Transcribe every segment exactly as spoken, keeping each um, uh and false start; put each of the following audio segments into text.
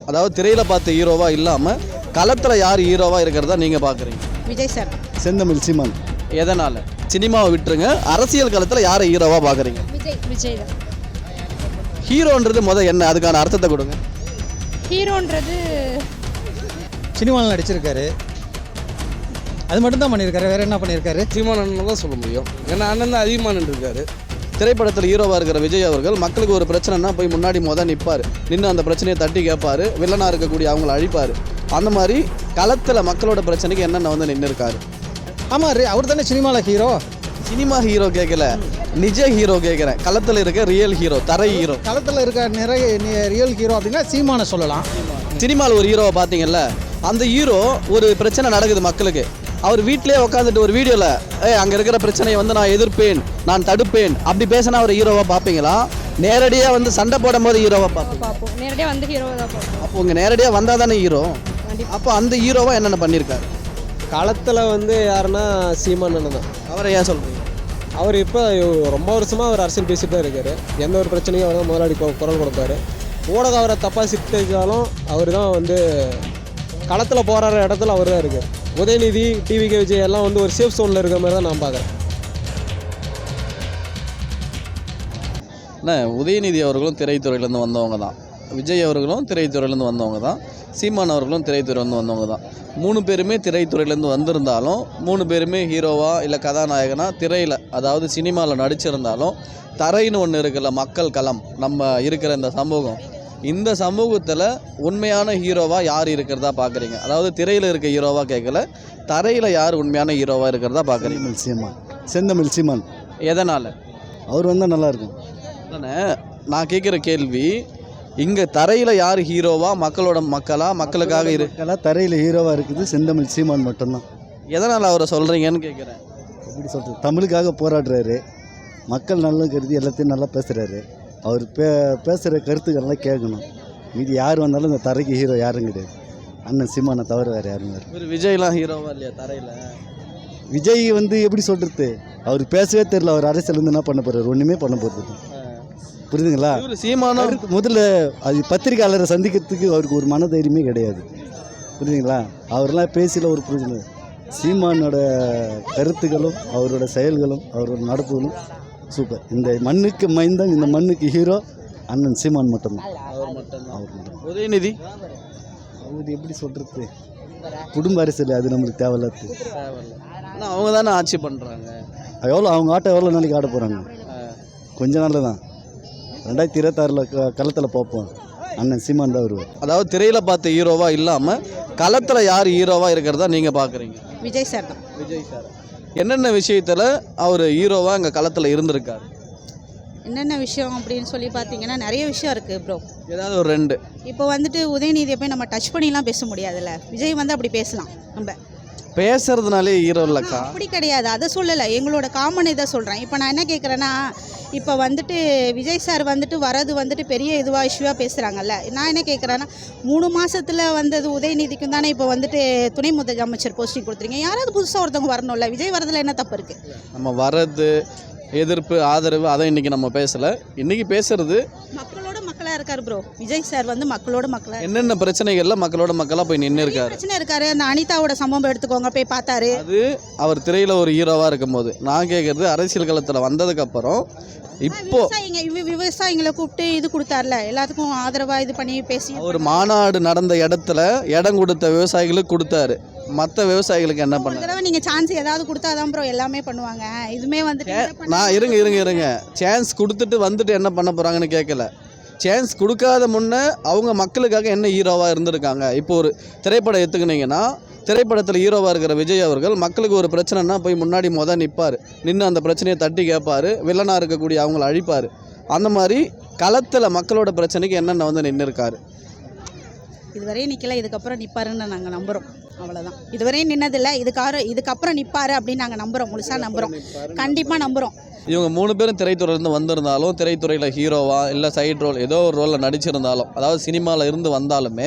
அதாவது திரையில பார்த்த ஹீரோவா இல்லாம களத்துல யார் ஹீரோவா இருக்கிறதா நீங்க பாக்குறீங்க? விஜய் சார். செந்தமிழ் சீமான். எதனால? சினிமாவை விட்டுருங்க, அரசியல் களத்துல யாரை ஹீரோவா பாக்குறீங்க? விஜய். விஜய் தான். ஹீரோன்றது முத என்ன, அதுக்கான அர்த்தத்தை கொடுங்க. ஹீரோன்றது சினிமாவில் நடிச்சிருக்காரு, அது மட்டும் தான் பண்ணியிருக்காரு. வேற என்ன பண்ணியிருக்காரு? சீமான் அண்ணன் தான் சொல்ல முடியும். ஏன்னா அண்ணன் தான் அதிகமாக நின்றுருக்காரு. திரைப்படத்தில் ஹீரோவாக இருக்கிற விஜய் அவர்கள் மக்களுக்கு ஒரு பிரச்சனைனா போய் முன்னாடி மொதல் நிற்பார், நின்று அந்த பிரச்சனையை தட்டி கேட்பார், வில்லனாக இருக்கக்கூடிய அவங்கள அழிப்பார். அந்த மாதிரி களத்தில் மக்களோட பிரச்சனைக்கு என்னென்ன வந்து நின்று இருக்காரு. ஆமாம், அவர் தானே சினிமாவில் ஹீரோ. சினிமா ஹீரோ கேட்கல, நிஜ ஹீரோ கேட்குறேன். களத்தில் இருக்க ரியல் ஹீரோ, தரை ஹீரோ. களத்தில் இருக்க நிறைய ரியல் ஹீரோ அப்படின்னா சீமானை சொல்லலாம். சினிமாவில் ஒரு ஹீரோவை பார்த்தீங்கல்ல, அந்த ஹீரோ ஒரு பிரச்சனை நடக்குது மக்களுக்கு, அவர் வீட்டிலே உட்காந்துட்டு ஒரு வீடியோவில் ஏ அங்கே இருக்கிற பிரச்சனையை வந்து நான் எதிர்ப்பேன், நான் தடுப்பேன் அப்படி பேசினா ஒரு ஹீரோவாக பார்ப்பீங்களா? நேரடியாக வந்து சண்டை போடும் போது ஹீரோவாக பார்ப்போம். பார்ப்போம். நேரடியாக வந்து ஹீரோவை தான் பார்ப்போம். அப்போ உங்கள் நேரடியாக வந்தால் தானே ஹீரோ. அப்போ அந்த ஹீரோவாக என்னென்ன பண்ணியிருக்காரு? களத்தில் வந்து யாருன்னா சீமான் அண்ணன் தான். அவரை ஏன் சொல்கிறீங்க? அவர் இப்போ ரொம்ப வருஷமாக அவர் அரசியல் பேசிட்டு தான் இருக்கார். எந்த ஒரு பிரச்சனையும் அவர் தான் முதலாளி குரல் கொடுப்பாரு. ஊடகம் அவரை தப்பாக சித்தரிச்சாலும் அவர் தான் வந்து களத்தில் போகிற இடத்துல அவர் தான் இருக்குது. உதயநிதி, டிவிகே விஜய் எல்லாம் வந்து ஒரு சேஃப் சோனில் இருக்கிற மாதிரி தான் நான் பார்க்குறேன். என்ன, உதயநிதி அவர்களும் திரைத்துறையிலேருந்து வந்தவங்க தான், விஜய் அவர்களும் திரைத்துறையிலேருந்து வந்தவங்க தான், சீமான் அவர்களும் திரைத்துறையிலேருந்து வந்தவங்க தான். மூணு பேருமே திரைத்துறையிலேருந்து வந்திருந்தாலும், மூணு பேருமே ஹீரோவா இல்லை கதாநாயகனா திரையில் அதாவது சினிமாவில் நடிச்சிருந்தாலும், தரைன்னு ஒன்று இருக்குல்ல, மக்கள் களம், நம்ம இருக்கிற இந்த சமூகம், இந்த சமூகத்தில் உண்மையான ஹீரோவாக யார் இருக்கிறதா பார்க்குறீங்க? அதாவது திரையில் இருக்க ஹீரோவாக கேட்கல, தரையில் யார் உண்மையான ஹீரோவாக இருக்கிறதா பார்க்குறீங்க? செந்தமிழ் சீமான். செந்தமிழ் சீமான். எதனால்? அவர் வந்தால் நல்லாயிருக்கும். தானே நான் கேட்குற கேள்வி, இங்கே தரையில் யார் ஹீரோவா, மக்களோட மக்களா, மக்களுக்காக இரு மக்களாக தரையில் ஹீரோவாக இருக்குது செந்தமிழ் சீமான் மட்டும்தான். எதனால் அவரை சொல்கிறீங்கன்னு கேட்குறேன். எப்படி சொல்கிறது, தமிழுக்காக போராடுறாரு, மக்கள் நல்லா கருதி எல்லாத்தையும் நல்லா பேசுகிறாரு. அவர் பே பேசுகிற கருத்துக்கள்லாம் கேட்கணும். மீதி யார் வந்தாலும் இந்த தரைக்கு ஹீரோ யாரும் கிடையாது, அண்ணன் சீமானை தவிர வேறு யாரும் வேறு. ஒரு விஜய்லாம் ஹீரோவா இல்லையா தரையில்? விஜய் வந்து எப்படி சொல்கிறது, அவர் பேசவே தெரியல. அவர் அரசியல் வந்து என்ன பண்ண போகிறார், ஒன்றுமே பண்ண போகிறது. புரியுதுங்களா? சீமானும் முதல்ல அது பத்திரிகையாளரை சந்திக்கிறதுக்கு அவருக்கு ஒரு மன தைரியமே கிடையாது. புரியுதுங்களா? அவரெல்லாம் பேசல ஒரு புரிதல். சீமானோட கருத்துக்களும் அவரோட செயல்களும் அவரோட நடப்புகளும் சூப்பர். இந்த மண்ணுக்கு மைந்தன், இந்த மண்ணுக்கு ஹீரோ அண்ணன் சீமான் மட்டும்தான். அவர் மட்டும்தான். அவர் மட்டும். உதயநிதி அவர் எப்படி சொல்கிறது, குடும்ப அரசியல் அது நம்மளுக்கு தேவையில்லாது. ஆனால் அவங்க தானே ஆட்சி பண்ணுறாங்க. எவ்வளோ அவங்க ஆட்டம் எவ்வளோ நாளைக்கு ஆட போகிறாங்க? கொஞ்ச நாளில் தான். ரெண்டாயிரத்தி இருபத்தாறில் க களத்தில் பார்ப்போம், அண்ணன் சீமான் தான் வருவார். அதாவது திரையில் பார்த்த ஹீரோவா இல்லாமல் களத்தில் யார் ஹீரோவா இருக்கிறதா நீங்கள் பார்க்குறீங்க? விஜய் சார் தான். விஜய் சார் என்னென்ன விஷயத்தில் அவர் ஹீரோவாக இங்கே களத்தில் இருந்திருக்காரு? என்னென்ன விஷயம் அப்படின்னு சொல்லி பார்த்தீங்கன்னா நிறைய விஷயம் இருக்குது ப்ரோ. ஏதாவது ஒரு ரெண்டு. இப்போ வந்துட்டு உதயநிதியை போய் நம்ம டச் பண்ணிலாம் பேச முடியாதுல்ல. விஜய் வந்து அப்படி பேசலாம். நம்ம பேசுறதுனாலே ஹீரோ இல்லைக்கா. அப்படி கிடையாது, அதை சொல்லலை, எங்களோட காமன் இதை சொல்கிறேன். இப்போ நான் என்ன கேட்குறேன்னா, இப்போ வந்துட்டு விஜய் சார் வந்துட்டு வரது வந்துட்டு பெரிய இதுவாக இஷ்யூவாக பேசுகிறாங்கல்ல. நான் என்ன கேட்குறேன்னா, மூணு மாதத்தில் வந்தது உதயநிதிக்கும் தானே இப்போ வந்துட்டு துணை முதலமைச்சர் போஸ்டிங் கொடுத்துருங்க. யாராவது புதுசாக ஒருத்தவங்க வரணும்ல. விஜய் வரதில் என்ன தப்பு இருக்குது? நம்ம வரது எதிர்ப்பு ஆதரவு அதை இன்றைக்கி நம்ம பேசலை. இன்றைக்கி பேசுறது மக்களோட மக்களாக இருக்கார் ப்ரோ. விஜய் சார் வந்து மக்களோட மக்களாக என்னென்ன பிரச்சனைகள்ல மக்களோட மக்களாக போய் நின்று இருக்காரு. பிரச்சனை இருக்காரு. அந்த அனிதாவோட சம்பவம் எடுத்துக்கோங்க, போய் பார்த்தாரு. அது அவர் திரையில் ஒரு ஹீரோவாக இருக்கும்போது. நான் கேட்குறது அரசியல் களத்தில் வந்ததுக்கப்புறம் இப்போ விவசாயிங்க விவசாயிங்களை கூப்பிட்டு இது கொடுத்தார்ல, எல்லாத்துக்கும் ஆதரவாக இது பண்ணி பேசி ஒரு மாநாடு நடந்த இடத்துல இடம் கொடுத்த விவசாயிகளுக்கு கொடுத்தாரு. மற்ற விவசாயிகளுக்கு என்ன பண்ண தடவை நீங்கள் சான்ஸ் ஏதாவது கொடுத்தாதான் ப்ரோ எல்லாமே பண்ணுவாங்க. இதுமே வந்துட்டு நான் இருங்க இருங்க இருங்க சான்ஸ் கொடுத்துட்டு வந்துட்டு என்ன பண்ண போகிறாங்கன்னு கேட்கல. சான்ஸ் கொடுக்காத முன்னே அவங்க மக்களுக்காக என்ன ஹீரோவாக இருந்திருக்காங்க. இப்போ ஒரு திரைப்படம் எடுத்துக்கினீங்கன்னா, திரைப்படத்தில் ஹீரோவாக இருக்கிற விஜய் அவர்கள் மக்களுக்கு ஒரு பிரச்சனைனா போய் முன்னாடி மொதல் நிற்பார், நின்று அந்த பிரச்சனையை தட்டி கேட்பார், வில்லனாக இருக்கக்கூடிய அவங்கள அழிப்பார். அந்த மாதிரி களத்தில் மக்களோட பிரச்சனைக்கு என்னென்ன வந்து நின்று இருக்காரு. இதுவரையும் நிற்கல, இதுக்கப்புறம் நிற்பாருன்னு நாங்கள் நம்புகிறோம். அவ்வளோதான். இதுவரையும் நின்னதில்லை, இதுக்கார இதுக்கப்புறம் நிற்பாரு அப்படின்னு நாங்கள் நம்புகிறோம். முழுசாக நம்புகிறோம், கண்டிப்பாக நம்புகிறோம். இவங்க மூணு பேரும் திரைத்துறையிலேருந்து வந்திருந்தாலும், திரைத்துறையில் ஹீரோவா இல்லை சைட் ரோல் ஏதோ ஒரு ரோலில் நடிச்சிருந்தாலும், அதாவது சினிமாவில் இருந்து வந்தாலுமே,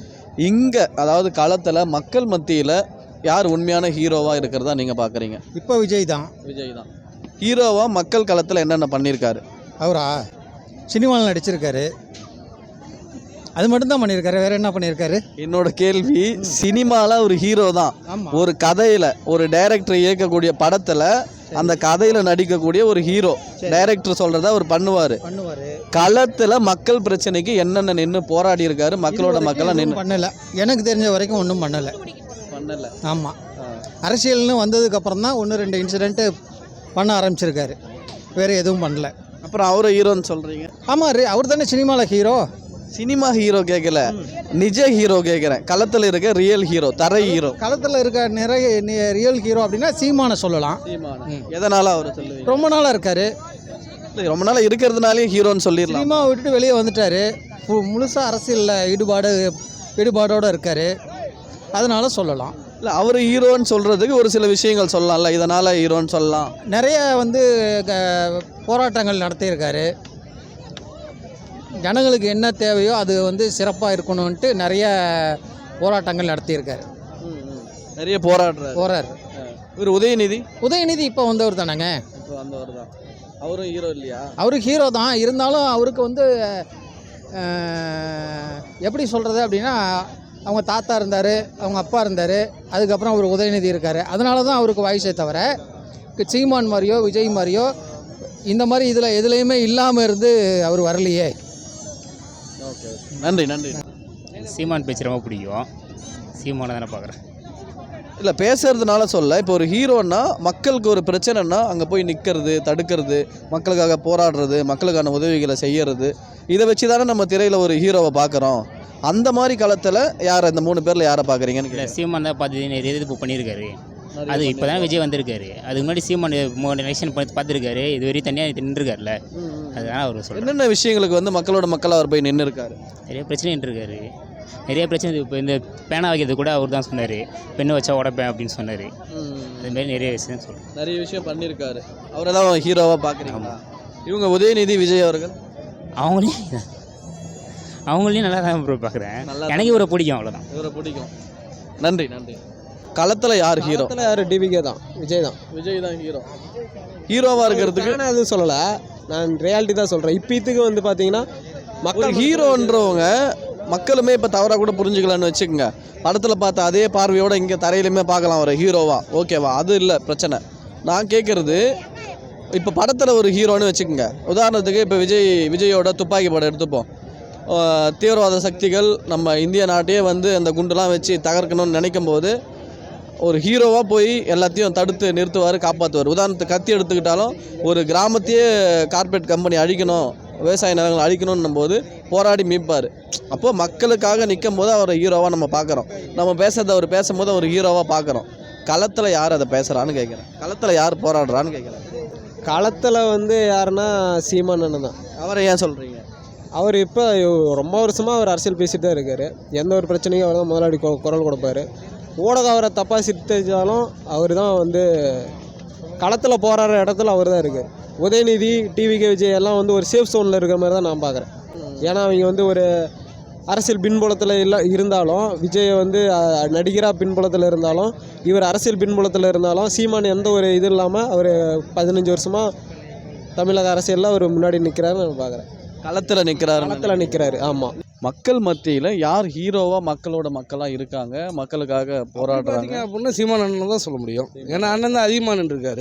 இங்கே அதாவது களத்தில் மக்கள் மத்தியில் யார் உண்மையான ஹீரோவாக இருக்கிறதா நீங்கள் பார்க்குறீங்க? இப்போ விஜய் தான். விஜய் தான் ஹீரோவாக மக்கள் களத்தில் என்னென்ன பண்ணியிருக்காரு? அவரா சினிமாவில் நடிச்சிருக்காரு, அது மட்டும்தான் பண்ணியிருக்காரு, வேற என்ன பண்ணியிருக்காரு? என்னோட கேள்வி, சினிமாவில் ஒரு ஹீரோ தான். ஆமாம். ஒரு கதையில் ஒரு டைரக்டர் இயக்கக்கூடிய படத்தில் அந்த கதையில் நடிக்கக்கூடிய ஒரு ஹீரோ, டைரக்டர் சொல்கிறத அவர் பண்ணுவார். பண்ணுவார். களத்தில் மக்கள் பிரச்சனைக்கு என்னென்ன நின்று போராடி இருக்காரு, மக்களோட மக்களாக நின்று பண்ணலை. எனக்கு தெரிஞ்ச வரைக்கும் ஒன்றும் பண்ணலை. பண்ணலை. ஆமாம். அரசியல்னு வந்ததுக்கப்புறம் தான் ஒன்று ரெண்டு இன்சிடெண்ட்டு பண்ண ஆரம்பிச்சிருக்காரு, வேறு எதுவும் பண்ணல. அப்புறம் அவரை ஹீரோன்னு சொல்கிறீங்க? ஆமாம், அவர் தானே சினிமாவில் ஹீரோ. சினிமா ஹீரோ கேட்கல, நிஜ ஹீரோ கேட்குறேன். களத்தில் இருக்க ரியல் ஹீரோ, தரை ஹீரோ. களத்தில் இருக்க நிறைய ரியல் ஹீரோ அப்படின்னா சீமானை சொல்லலாம். எதனால் அவரை சொல்லுவீங்க? ரொம்ப நாளாக இருக்காரு, ரொம்ப நாளாக இருக்கிறதுனாலே ஹீரோன்னு சொல்லிடலாம். சினிமாவை விட்டுட்டு வெளியே வந்துட்டார், முழுசாக அரசியலில் ஈடுபாடு ஈடுபாடோடு இருக்கார், அதனால சொல்லலாம். இல்லை, அவர் ஹீரோன்னு சொல்கிறதுக்கு ஒரு சில விஷயங்கள் சொல்லலாம்ல, இதனால் ஹீரோன்னு சொல்லலாம். நிறைய வந்து போராட்டங்கள் நடத்தியிருக்காரு, ஜனங்களுக்கு என்ன தேவையோ அது வந்து சிறப்பாக இருக்கணும்ன்ட்டு நிறைய போராட்டங்கள் நடத்தியிருக்காரு. நிறைய போராடுறாரு போறாரு. இவர் உதயநிதி உதயநிதி இப்போ வந்தவர் தானேங்க. இப்போ வந்தவர் தான். அவரும் ஹீரோ இல்லையா? அவரு ஹீரோ தான், இருந்தாலும் அவருக்கு வந்து எப்படி சொல்கிறது அப்படின்னா, அவங்க தாத்தா இருந்தார், அவங்க அப்பா இருந்தார், அதுக்கப்புறம் அவர் உதயநிதி இருக்கார். அதனால தான் அவருக்கு வயசே தவிர சீமான் மாதிரியோ விஜய் மாதிரியோ இந்த மாதிரி இதில் எதுலேயுமே இல்லாமல் இருந்து அவர் வரலையே. ஓகே, நன்றி நன்றி. சீமான் பேச்சு ரொம்ப பிடிக்கும், சீமானை தானே பார்க்குறேன். இல்லை, பேசுறதுனால சொல்ல, இப்போ ஒரு ஹீரோன்னா மக்களுக்கு ஒரு பிரச்சனைனா அங்கே போய் நிற்கிறது, தடுக்கிறது, மக்களுக்காக போராடுறது, மக்களுக்கான உதவிகளை செய்யறது, இதை வச்சு தானே நம்ம திரையில் ஒரு ஹீரோவை பார்க்குறோம். அந்த மாதிரி காலத்தில் யார், இந்த மூணு பேரில் யாரை பார்க்குறீங்கன்னு? இல்லை, சீமான் தான் பார்த்து நிறைய இது புக் பண்ணியிருக்காரு. அது இப்போ தான் விஜய் வந்திருக்காரு, அதுக்கு முன்னாடி சீமான் மூணு எலெக்ஷன் பார்த்து பார்த்துருக்காரு, இது வரையும் தனியாக நின்றுருக்காருல்ல, அதனால் அவர் சொல்கிறார். என்னென்ன விஷயங்களுக்கு வந்து மக்களோட மக்கள் அவர் போய் நின்று இருக்காரு? நிறைய பிரச்சனை நின்றுருக்காரு, நிறைய பிரச்சனை. இப்போ இந்த பேனா வைக்கிறது கூட அவர் தான் சொன்னார், பெண்ணை வச்சா உடப்பேன் அப்படின்னு சொன்னார். அதுமாரி நிறைய விஷயம் சொல்கிறேன், நிறைய விஷயம் பண்ணியிருக்காரு. அவரை தான் ஹீரோவாக பார்க்குறீங்களா? இவங்க உதயநிதி விஜய் அவர்கள் அவங்களையும் அவங்களையும் நல்லா தான் ப்ரோ பார்க்குறேன். எனக்கு இவரை பிடிக்கும், அவ்வளோதான். இவரை பிடிக்கும். நன்றி நன்றி. களத்தில் யார் ஹீரோ? களத்தில் யார்? டிவிகே தான், விஜய் தான். விஜய் தான் ஹீரோ. ஹீரோவாக இருக்கிறதுக்கு நான் எதுவும் சொல்லலை, நான் ரியாலிட்டி தான் சொல்கிறேன். இப்போ இதுக்கு வந்து பார்த்தீங்கன்னா மக்கள் ஹீரோன்றவங்க மக்களுமே இப்போ தவறாக கூட புரிஞ்சுக்கலான்னு வச்சுக்கோங்க. படத்தில் பார்த்த அதே பார்வையோடு இங்கே தரையிலுமே பார்க்கலாம் ஒரு ஹீரோவா, ஓகேவா? அது இல்லை பிரச்சனை. நான் கேட்குறது, இப்போ படத்தில் ஒரு ஹீரோன்னு வச்சுக்கோங்க. உதாரணத்துக்கு இப்போ விஜய் விஜயோட துப்பாக்கி படம் எடுத்துப்போம். தீவிரவாத சக்திகள் நம்ம இந்திய நாட்டையே வந்து அந்த குண்டுலாம் வச்சு தகர்க்கணும்னு நினைக்கும் போது ஒரு ஹீரோவாக போய் எல்லாத்தையும் தடுத்து நிறுத்துவார், காப்பாற்றுவார். உதாரணத்துக்கு கத்தி எடுத்துக்கிட்டாலும் ஒரு கிராமத்தையே கார்பரேட் கம்பெனி அழிக்கணும், விவசாய நிலங்களை அழிக்கணும்னும் போது போராடி மீட்பார். அப்போது மக்களுக்காக நிற்கும் போது அவரை ஹீரோவாக நம்ம பார்க்குறோம். நம்ம பேசுறதை அவர் பேசும்போது அவர் ஹீரோவாக பார்க்குறோம். களத்தில் யார் அதை பேசுகிறான்னு கேட்குறேன், களத்தில் யார் போராடுறான்னு கேட்குறேன். களத்தில் வந்து யாருன்னா சீமான் அண்ணன் தான். அவரை ஏன் சொல்கிறீங்க? அவர் இப்போ ரொம்ப வருஷமாக அவர் அரசியல் பேசிட்டு தான் இருக்கார். எந்த ஒரு பிரச்சனையும் அவர் தான் முதலாளி குரல் கொடுப்பார். ஊடகம் அவரை தப்பாக சித்தரித்தாலும் அவர் தான் வந்து களத்தில் போராடுற இடத்துல அவர் தான் இருக்கார். உதயநிதி, டிவிகே, விஜய் எல்லாம் வந்து ஒரு சேஃப் ஜோனில் இருக்கிற மாதிரி தான் நான் பார்க்குறேன். ஏன்னா அவங்க வந்து ஒரு அரசியல் பின்புலத்தில் இல்லை இருந்தாலும், விஜய் வந்து நடிகராக பின்புலத்தில் இருந்தாலும், இவர் அரசியல் பின்புலத்தில் இருந்தாலும், சீமான் எந்த ஒரு இது இல்லாமல் அவர் பதினஞ்சு வருஷமாக தமிழக அரசியலில் அவர் முன்னாடி நிற்கிறாருன்னு நான் பார்க்குறேன். களத்தில் நிற்கிறாரு, களத்தில் நிற்கிறாரு. ஆமாம். மக்கள் மத்தியில் யார் ஹீரோவாக மக்களோட மக்களாக இருக்காங்க, மக்களுக்காக போராடுறாங்க அப்படின்னா சீமான் அண்ணன் தான் சொல்ல முடியும். ஏன்னா அண்ணன் தான் அதிகமாக நின்றுருக்காரு.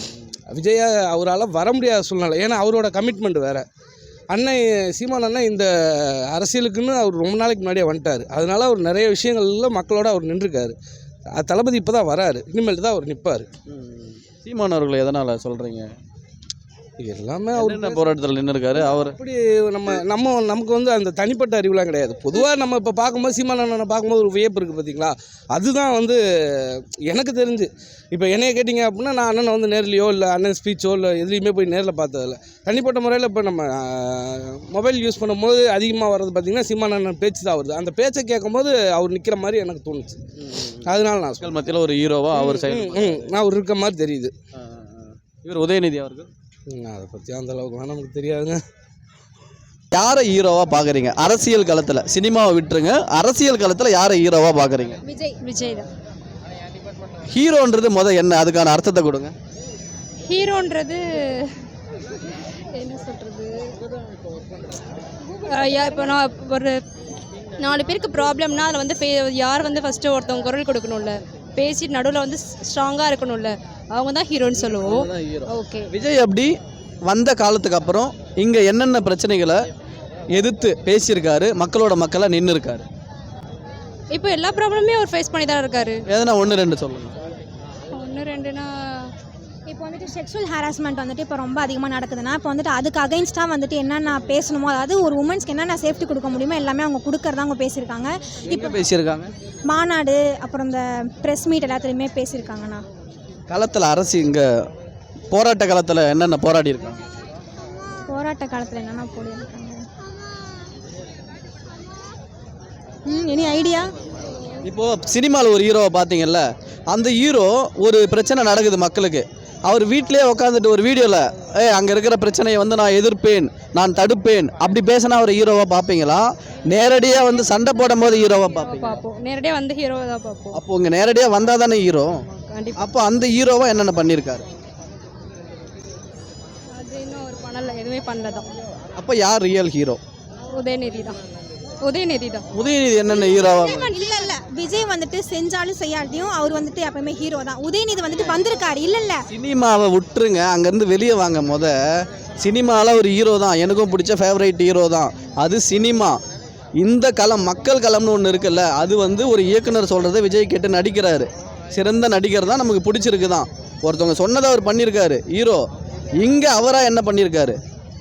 விஜயா அவரால் வர முடியாத சூழ்நிலை, ஏன்னா அவரோட கமிட்மெண்ட் வேறு. அண்ணன் சீமான் அண்ணன் இந்த அரசியலுக்குன்னு அவர் ரொம்ப நாளைக்கு முன்னாடியே வந்துட்டார். அதனால அவர் நிறைய விஷயங்களில் மக்களோட அவர் நின்றுருக்காரு. தளபதி இப்போ தான் வராரு, இனிமேல் தான் அவர் நிற்பார். சீமான் அவர்கள் எதனால் சொல்கிறீங்க? எல்லாமே அவர் என்ன போராட்டத்தில் நின்று இருக்காரு அவர். அப்படி நம்ம நம்ம நமக்கு வந்து அந்த தனிப்பட்ட அறிவுலாம் கிடையாது. பொதுவாக நம்ம இப்போ பார்க்கும்போது சீமான் அண்ணனை பார்க்கும்போது ஒரு வியப்பு இருக்குது பார்த்தீங்களா, அதுதான் வந்து எனக்கு தெரிஞ்சு. இப்போ என்னைய கேட்டிங்க அப்படின்னா, நான் அண்ணனை வந்து நேர்லையோ இல்லை அண்ணன் ஸ்பீச்சோ இல்லை எதுலேயுமே போய் நேரில் பார்த்ததில்ல. தனிப்பட்ட முறையில் இப்போ நம்ம மொபைல் யூஸ் பண்ணும்போது அதிகமாக வர்றது பார்த்திங்கன்னா சீமான் அண்ணன் பேச்சு தான் வருது. அந்த பேச்சை கேட்கும்போது அவர் நிற்கிற மாதிரி எனக்கு தோணுச்சு. அதனால நான் மக்கள் மத்தியில் ஒரு ஹீரோவாக அவர் சைடு நான் அவர் இருக்க மாதிரி தெரியுது. இவர் உதயநிதி அவர்கள் அதை பற்றி அந்த அளவுக்கு நமக்கு தெரியாதுங்க. யாரை ஹீரோவாக பார்க்குறீங்க அரசியல் களத்தில்? சினிமாவை விட்டுருங்க, அரசியல் களத்தில் யாரை ஹீரோவாக பார்க்குறீங்க? விஜய் விஜய் தான். ஹீரோன்றது முதல் என்ன, அதுக்கான அர்த்தத்தை கொடுங்க. ஹீரோன்றது என்ன சொல்கிறது, இப்போ நான் ஒரு நாலு பேருக்கு ப்ராப்ளம்னா அதில் வந்து ஃபே யார் வந்து ஃபஸ்ட்டு ஒருத்தவங்க குரல் கொடுக்கணும்ல, பேசிட்டு நடுவில் வந்து ஸ்ட்ராங்காக இருக்கணும்ல, அவங்க தான் ஹீரோன்னு சொல்லுவோம். ஓகே. விஜய் அப்படி வந்த காலத்துக்கு அப்புறம் இங்கே என்னென்ன பிரச்சனைகளை எதிர்த்து பேசியிருக்காரு, மக்களோட மக்களாக நின்று இருக்காரு? இப்போ எல்லா ப்ராப்ளமே அவர் ஃபேஸ் பண்ணி தான் இருக்காரு. எதனா ஒன்று ரெண்டு சொல்லுங்கள். ஒன்று ரெண்டுனா இப்போ வந்துட்டு செக்ஷுவல் ஹாராஸ்மெண்ட் வந்துட்டு இப்போ ரொம்ப அதிகமாக நடக்குதுன்னா இப்போ வந்துட்டு அதுக்கு அகைன்ஸ்டாக வந்துட்டு என்னென்ன பேசணுமோ, அதாவது ஒரு உமன்ஸ்க்கு என்னென்ன சேஃப்டி கொடுக்க முடியுமோ எல்லாமே அவங்க கொடுக்கறதா அவங்க பேசியிருக்காங்க. இப்போ பேசியிருக்காங்க மாநாடு அப்புறம் இந்த ப்ரெஸ் மீட் எல்லாத்துலேயுமே பேசியிருக்காங்கண்ணா. களத்தில் அரசு இங்கே போராட்ட காலத்தில் என்னென்ன போராடி இருக்காங்க? போராட்ட காலத்தில் என்னென்ன போடியிருக்காங்க? ம் எனி ஐடியா? இப்போது சினிமாவில் ஒரு ஹீரோவை பார்த்தீங்கல்ல, அந்த ஹீரோ ஒரு பிரச்சனை நடக்குது மக்களுக்கு, அவர் வீட்டிலே உட்காந்துட்டு ஒரு வீடியோவில் ஏ அங்கே இருக்கிற பிரச்சனையை வந்து நான் எதிர்ப்பேன், நான் தடுப்பேன் அப்படி பேசினா ஒரு ஹீரோவாக பார்ப்பீங்களா? நேரடியாக வந்து சண்டை போடும் போது ஹீரோவாக பார்ப்பீங்க? பார்ப்போம், நேரடியாக வந்து ஹீரோவை தான் பார்ப்போம். அப்போ இங்கே நேரடியாக வந்தால் தானே ஹீரோ. கண்டிப்பாக. அப்போ அந்த ஹீரோவை என்னென்ன பண்ணியிருக்காரு? அது இன்னும் அவர் பண்ணலை, எதுவுமே பண்ணல தான். அப்போ யார் ரியல் ஹீரோ? உதயநிதி தான். உதயநிதி தான். உதயநிதி என்னென்ன ஹீரோவாக? இல்லை இல்லை, விஜய் வந்துட்டு செஞ்சாலும் செய்யாட்டியும் அவர் வந்துட்டு எப்பவுமே ஹீரோ தான். உதயநிதி வந்துட்டு வந்திருக்காரு. இல்லை இல்லை, சினிமாவை விட்டுருங்க, அங்கேருந்து வெளியே வாங்க. முத சினிமாவில் ஒரு ஹீரோ தான், எனக்கும் பிடிச்ச ஃபேவரைட் ஹீரோ தான், அது சினிமா. இந்த களம் மக்கள் களம்னு ஒன்று இருக்குல்ல, அது வந்து ஒரு இயக்குனர் சொல்கிறத விஜய் கேட்டு நடிக்கிறாரு. சிறந்த நடிகர் தான், நமக்கு பிடிச்சிருக்கு தான். ஒருத்தவங்க சொன்னதை அவர் பண்ணியிருக்காரு ஹீரோ. இங்கே அவராக என்ன பண்ணியிருக்காரு?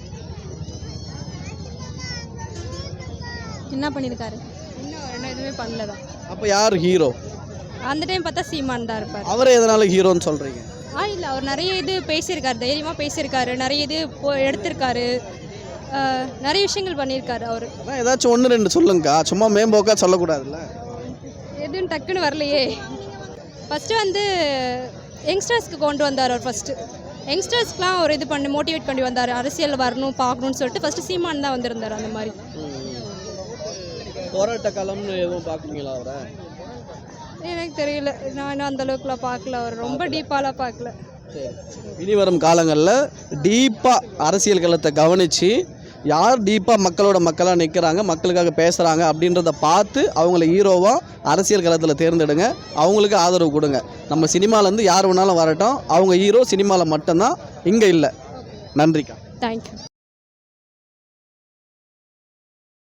என்ன பண்ணியிருக்காரு? இன்னும் அவர் என்ன எதுவுமே பண்ணல தான். அப்போ யார் ஹீரோ? அந்த டைம் பார்த்தா சீமான் தான் இருப்பார். அவரை எதனால ஹீரோன்னு சொல்கிறீங்க? ஆ இல்லை, அவர் நிறைய இது பேசியிருக்காரு, தைரியமாக பேசியிருக்காரு, நிறைய இது போ எடுத்திருக்காரு, நிறைய விஷயங்கள் பண்ணியிருக்காரு அவர். அதான் ஏதாச்சும் ஒன்று ரெண்டு சொல்லுங்கக்கா, சும்மா மேம்போக்கா சொல்லக்கூடாதுல்ல. எதுவும் டக்குன்னு வரலையே. ஃபஸ்ட்டு வந்து யங்ஸ்டர்ஸ்க்கு கொண்டு வந்தார் அவர். ஃபஸ்ட்டு யங்ஸ்டர்ஸ்க்குலாம் ஒரு இது பண்ணி மோட்டிவேட் பண்ணி வந்தார், அரசியல் வரணும் பார்க்கணுன்னு சொல்லிட்டு. ஃபஸ்ட்டு சீமான் தான் வந்திருந்தார். அந்த மாதிரி போராட்ட காலம்னு எதுவும் பார்க்குறீங்களா அவரை? எனக்கு தெரியல, நான் இன்னும் அந்த அளவுக்குலாம் பார்க்கல, அவர் ரொம்ப டீப்பாலாம் பார்க்கல. இனி வரும் காலங்களில் டீப்பாக அரசியல் களத்தை கவனித்து யார் டீப்பாக மக்களோட மக்களாக நிற்கிறாங்க, மக்களுக்காக பேசுகிறாங்க அப்படின்றத பார்த்து அவங்கள ஹீரோவாக அரசியல் களத்தில் தேர்ந்தெடுங்க, அவங்களுக்கு ஆதரவு கொடுங்க. நம்ம சினிமாலேருந்து யார் வேணாலும் வரட்டும், அவங்க ஹீரோ சினிமாவில் மட்டும்தான், இங்கே இல்லை. நன்றிக்கா. தேங்க்யூ.